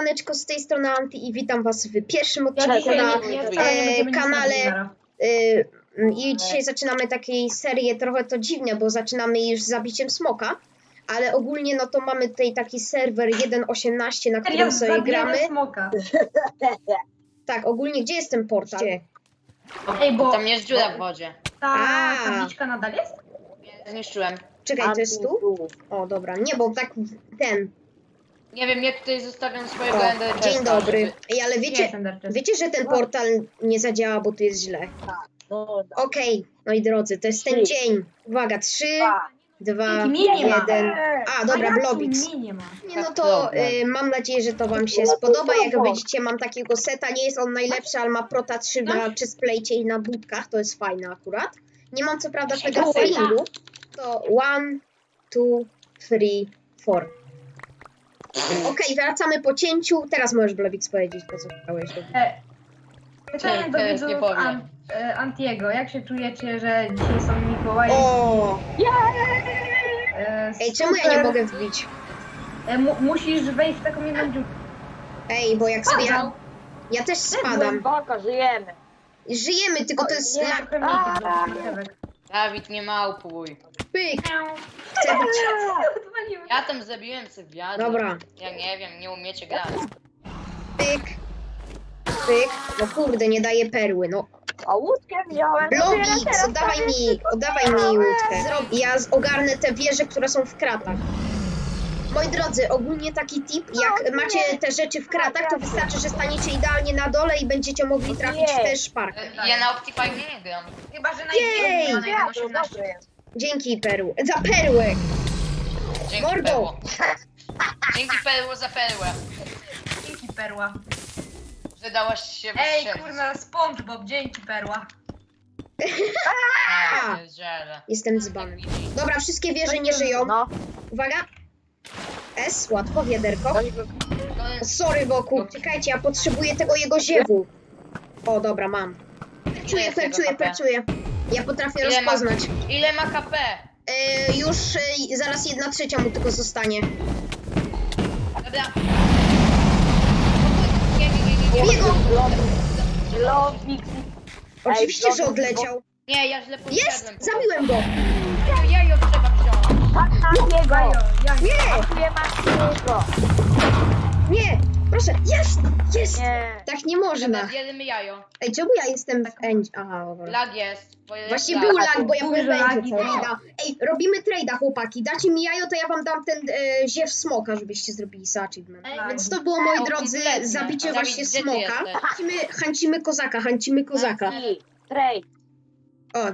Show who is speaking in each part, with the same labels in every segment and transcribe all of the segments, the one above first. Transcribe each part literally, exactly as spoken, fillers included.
Speaker 1: siemaneczko, z tej strony Anti i witam was w pierwszym
Speaker 2: Ja
Speaker 1: odcinku
Speaker 2: dzisiaj
Speaker 1: na
Speaker 2: nie, nie,
Speaker 1: e,
Speaker 2: wcale nie będziemy nic
Speaker 1: kanale.
Speaker 2: robić zaraz.
Speaker 1: E, I dzisiaj zaczynamy taką serię, trochę to dziwne, bo zaczynamy już z zabiciem smoka, ale ogólnie no to mamy tutaj taki serwer jeden osiemnaście, na którym
Speaker 2: Ja
Speaker 1: sobie
Speaker 2: zabiję
Speaker 1: gramy.
Speaker 2: smoka.
Speaker 1: Tak, ogólnie gdzie jest ten portal? Gdzie?
Speaker 2: Ej, bo
Speaker 3: Tam jest dziura w wodzie.
Speaker 2: ta
Speaker 1: A.
Speaker 2: tabliczka nadal jest?
Speaker 3: Zniszczyłem.
Speaker 1: Czekaj, to jest tu? O, dobra, nie, bo tak ten.
Speaker 3: Nie wiem, jak tutaj zostawiam swojego
Speaker 1: O,
Speaker 3: Ender Chesta,
Speaker 1: dzień dobry.
Speaker 3: żeby-
Speaker 1: Ej, ale wiecie,
Speaker 2: Jest Ender Chest.
Speaker 1: wiecie, że ten portal nie zadziała, bo tu jest źle. Okej, moi drodzy, to jest ten dzień. Uwaga, trzy, dwa,
Speaker 2: Jaki mnie nie ma.
Speaker 1: jeden. A, dobra,
Speaker 2: jak
Speaker 1: Blobix.
Speaker 2: mnie nie ma.
Speaker 1: Nie, no to y, mam nadzieję, że to wam się spodoba. Jak widzicie, mam takiego seta. Nie jest on najlepszy, ale ma Prota trzy na chestplate'cie i na budkach. To jest fajne akurat. Nie mam co prawda tego failingu. To one, two, three, four. Okej, wracamy po cięciu. Teraz możesz, Blobix, powiedzieć to, co chciałeś.
Speaker 2: E, Pytanie do
Speaker 3: Teraz nie
Speaker 2: widzów
Speaker 3: powiem.
Speaker 2: An, e, Antiego. Jak się czujecie, że dzisiaj są Mikołaje?
Speaker 1: O!
Speaker 2: E,
Speaker 1: Ej, czemu ja nie
Speaker 2: super.
Speaker 1: mogę wbić?
Speaker 2: E, mu, musisz wejść w taką jedną dziurkę.
Speaker 1: Ej, bo jak sobie... Ja, ja też spadam.
Speaker 4: Głęboko, żyjemy.
Speaker 1: Żyjemy, tylko to jest...
Speaker 2: Nie,
Speaker 1: lag.
Speaker 2: trochę mniej tych marchewek.
Speaker 3: Dawid, nie małpuj.
Speaker 1: Pyk! Chcę być...
Speaker 2: Odwaliłem.
Speaker 3: Ja tam zabiłem Sywiadę.
Speaker 1: Dobra.
Speaker 3: Ja nie wiem, nie umiecie grać.
Speaker 1: Pyk! Pyk! No kurde, nie daje perły, no.
Speaker 4: A łódkę wziąłem.
Speaker 1: Blobix, oddawaj mi, oddawaj mi łódkę. Zrob, ja z- ogarnę te wieże, które są w kratach. Moi drodzy, ogólnie taki tip, jak macie te rzeczy w kratach, to wystarczy, że staniecie idealnie na dole i będziecie mogli trafić w tę szparkę.
Speaker 3: Ja na Optifine nie gram.
Speaker 2: Chyba, że na
Speaker 1: Jej!
Speaker 2: jedną
Speaker 4: Ja,
Speaker 2: na
Speaker 4: to
Speaker 2: osiemnaście.
Speaker 4: dobry jest.
Speaker 1: Dzięki perły. Za perłę!
Speaker 3: Dzięki
Speaker 1: Mordo!
Speaker 3: perło. Dzięki perło za perłę.
Speaker 2: Dzięki perła.
Speaker 3: Że dałaś się
Speaker 2: Ej,
Speaker 3: wystrzelić.
Speaker 2: kurna, SpongeBob, dzięki perła.
Speaker 3: A, pierdziele.
Speaker 1: Jestem dzbany. Dobra, wszystkie wieże nie żyją.
Speaker 4: No,
Speaker 1: Uwaga. S, łatwo, wiaderko.
Speaker 4: ktoś by...
Speaker 3: To-
Speaker 1: Sorry, wokół. Czekajcie, ja potrzebuję tego jego ziewu. O, dobra, mam. Perczuję,
Speaker 3: jest jego
Speaker 1: perczuję,
Speaker 3: H P?
Speaker 1: perczuję. Ja potrafię
Speaker 3: Ile ma-
Speaker 1: rozpoznać.
Speaker 3: Ile ma K P?
Speaker 1: E, już e, zaraz jedna trzecia mu tylko zostanie.
Speaker 3: Dobra. Nie, nie, nie, nie, nie.
Speaker 1: Biego!
Speaker 4: Lobix.
Speaker 1: Oczywiście,
Speaker 4: Ej,
Speaker 1: że
Speaker 4: Blobix,
Speaker 1: odleciał.
Speaker 3: Nie, ja źle podszedłem.
Speaker 1: Jest!
Speaker 3: po
Speaker 1: Zabiłem go!
Speaker 3: prostu. Jajo trzeba wziąć.
Speaker 4: Tak na niego.
Speaker 2: Jajo, jajo.
Speaker 1: Nie!
Speaker 4: Nie ma niego.
Speaker 1: Nie! Proszę! Jest! Jest!
Speaker 4: Nie.
Speaker 1: Tak nie można.
Speaker 3: Zjedzmy jajo.
Speaker 1: Ej, czemu ja jestem w end... Aha, dobra.
Speaker 3: Lag jest. bo jest
Speaker 1: Właśnie
Speaker 3: lag.
Speaker 1: był lag, bo ja
Speaker 2: Duże
Speaker 1: byłem w
Speaker 2: lagi,
Speaker 1: endzie, co
Speaker 2: no.
Speaker 1: nie da. Ej, robimy trade'a, chłopaki. Dacie mi jajo, to ja wam dam ten e, ziew smoka, żebyście zrobili za achievement.
Speaker 2: Ej,
Speaker 1: Więc to było, moi
Speaker 3: O,
Speaker 1: drodzy,
Speaker 3: kompletnie.
Speaker 1: zabicie
Speaker 3: Dawid,
Speaker 1: właśnie
Speaker 3: gdzie ty
Speaker 1: smoka.
Speaker 3: jesteś?
Speaker 1: Hancimy, hancimy kozaka, hancimy kozaka.
Speaker 4: I trade.
Speaker 1: O.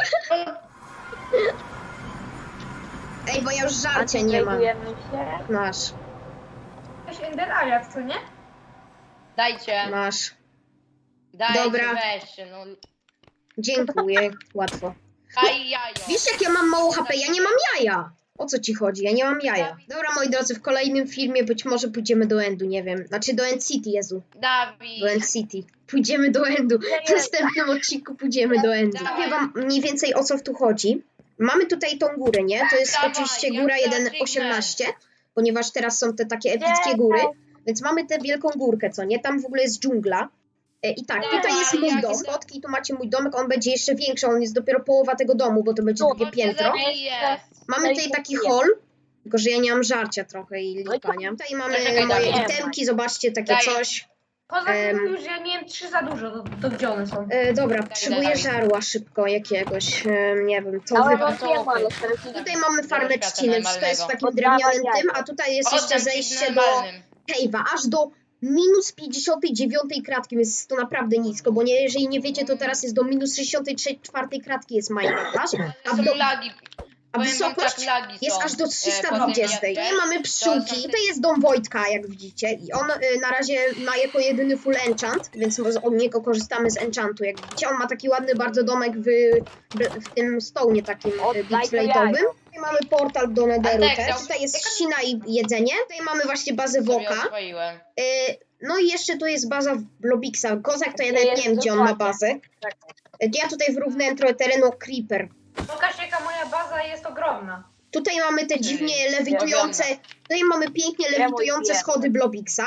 Speaker 1: Ej, bo ja już żarcia nie mam.
Speaker 4: Antydradujemy się.
Speaker 1: Masz,
Speaker 2: Jakaś Ender Alias, co nie?
Speaker 3: Dajcie,
Speaker 1: masz.
Speaker 3: dajcie,
Speaker 1: Dobra.
Speaker 3: weźcie, no.
Speaker 1: Dziękuję, łatwo.
Speaker 3: Daj jajo.
Speaker 1: Wiesz, jak ja mam mało H P? Ja nie mam jaja. O co ci chodzi? Ja nie mam jaja. Dobra, moi drodzy, w kolejnym filmie być może pójdziemy do Endu, nie wiem. Znaczy do End City, Jezu.
Speaker 3: Dawid.
Speaker 1: Do End City. Pójdziemy do Endu. W następnym odcinku pójdziemy do Endu. Powiem wam mniej więcej, o co tu chodzi. Mamy tutaj tą górę, nie? To jest
Speaker 3: Dawaj,
Speaker 1: oczywiście
Speaker 3: jak
Speaker 1: góra
Speaker 3: to
Speaker 1: jeden
Speaker 3: achievement.
Speaker 1: osiemnaście, ponieważ teraz są te takie epickie góry. Więc mamy tę wielką górkę, co nie? Tam w ogóle jest dżungla. E, I tak,
Speaker 3: Dawaj,
Speaker 1: tutaj jest mój
Speaker 3: jak
Speaker 1: dom.
Speaker 3: jest-
Speaker 1: Spotki, tu macie mój domek, on będzie jeszcze większy, on jest dopiero połowa tego domu, bo to będzie
Speaker 4: Tu,
Speaker 1: drugie
Speaker 3: Bo cię
Speaker 1: piętro.
Speaker 3: zabiję.
Speaker 1: Mamy tutaj taki hall, tylko że ja nie mam żarcia trochę i lipa, nie? Tutaj mamy
Speaker 3: Czekaj,
Speaker 1: moje
Speaker 3: Dawid.
Speaker 1: itemki, zobaczcie, takie
Speaker 3: Daj.
Speaker 1: coś.
Speaker 2: Poza
Speaker 1: Em.
Speaker 2: tym już ja miałem trzy za dużo, to, to gdzie one są?
Speaker 1: E, dobra, potrzebuję
Speaker 3: Dawid.
Speaker 1: żarła szybko jakiegoś, e, nie wiem, co
Speaker 4: Ale
Speaker 1: wy...
Speaker 4: no nie ma, ale teraz
Speaker 1: Tutaj mamy farmę
Speaker 3: Świata
Speaker 1: trzciny, wszystko jest w
Speaker 3: normalnego.
Speaker 1: takim
Speaker 4: Oddawaj
Speaker 1: drewnianym
Speaker 4: jajko.
Speaker 1: tym, a tutaj jest jeszcze
Speaker 3: Oddam ci
Speaker 1: zejście do
Speaker 3: normalnym.
Speaker 1: cave'a, aż do minus pięćdziesiątej dziewiątej kratki, więc jest to naprawdę nisko, bo nie, jeżeli nie wiecie, to teraz jest do minus sześćdziesiątej czwartej kratki jest Minecraft, aż, a,
Speaker 3: Ale
Speaker 1: do,
Speaker 3: są lagi.
Speaker 1: a
Speaker 3: Powiem wam
Speaker 1: wysokość
Speaker 3: tak, lagi
Speaker 1: jest
Speaker 3: są.
Speaker 1: aż do
Speaker 3: E,
Speaker 1: trzysta
Speaker 3: potem
Speaker 1: dwadzieścia.
Speaker 3: ja-
Speaker 1: Tutaj mamy pszczółki,
Speaker 3: to są te-
Speaker 1: tutaj jest dom Wojtka, jak widzicie, i on y, na razie ma jako jedyny full enchant, więc może od niego korzystamy z enchantu, jak widzicie. On ma taki ładny bardzo domek w, w tym stołnie takim y,
Speaker 4: Oddaj to
Speaker 1: bitplate'owym.
Speaker 4: jajo.
Speaker 1: Tutaj mamy portal do Netheru
Speaker 3: Antek,
Speaker 1: też,
Speaker 3: chciał-
Speaker 1: tutaj jest trzcina i jedzenie, tutaj mamy właśnie bazę
Speaker 3: Sobie
Speaker 1: Woka.
Speaker 3: oswoiłem.
Speaker 1: Y, no i jeszcze tu jest baza Blobixa. Kozak to ja
Speaker 4: To
Speaker 1: nawet
Speaker 4: jest
Speaker 1: nie wiem, gdzie on ma
Speaker 4: dokładnie.
Speaker 1: bazę.
Speaker 4: Czekaj.
Speaker 1: Y, Ja tutaj wyrównałem trochę terenu Creeper.
Speaker 2: Pokaż, jaka moja baza jest ogromna.
Speaker 1: Tutaj mamy te dziwnie
Speaker 3: Ej,
Speaker 1: lewitujące, tutaj mamy pięknie
Speaker 4: Ja mój
Speaker 1: lewitujące
Speaker 4: pies.
Speaker 1: schody Blobixa.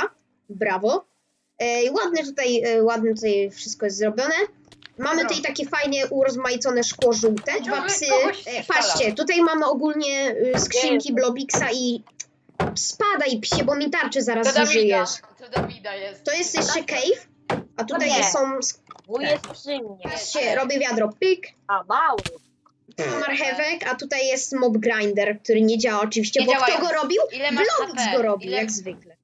Speaker 1: Brawo. E, ładne tutaj, e, ładne tutaj wszystko jest zrobione. Mamy tutaj takie fajnie urozmaicone szkło żółte, dwa
Speaker 3: Ciągle
Speaker 1: psy.
Speaker 3: kogoś
Speaker 1: E,
Speaker 3: strzela.
Speaker 1: patrzcie, tutaj mamy ogólnie y, skrzynki Blobixa i spadaj psie, bo mi tarczy zaraz
Speaker 3: To Dawida.
Speaker 1: zużyjesz.
Speaker 3: To Dawida jest.
Speaker 1: To jest jeszcze cave, a tutaj
Speaker 4: nie.
Speaker 1: są,
Speaker 4: Wuj jest przy mnie.
Speaker 1: patrzcie, robię wiadro, pyk,
Speaker 4: A mały.
Speaker 1: marchewek, a tutaj jest mob grinder, który nie działa oczywiście,
Speaker 3: Nie
Speaker 1: bo kto
Speaker 3: działający.
Speaker 1: go robił?
Speaker 3: Ile masz
Speaker 1: Blobix
Speaker 3: H P?
Speaker 1: go robił,
Speaker 3: Ile-
Speaker 1: jak zwykle.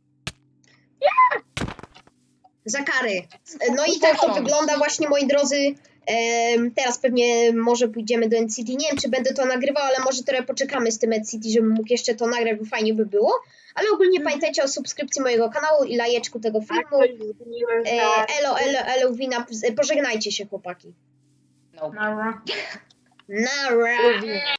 Speaker 1: Za kary. No i tak to
Speaker 3: Poszło.
Speaker 1: wygląda właśnie, moi drodzy. Em, teraz pewnie może pójdziemy do N C T. Nie wiem, czy będę to nagrywał, ale może trochę poczekamy z tym N C T, żebym mógł jeszcze to nagrać, bo fajnie by było. Ale ogólnie pamiętajcie o subskrypcji mojego kanału i lajeczku tego filmu. E, elo, elo, elo, wina. Pożegnajcie się, chłopaki.
Speaker 3: No.
Speaker 2: Nara.
Speaker 1: Nara.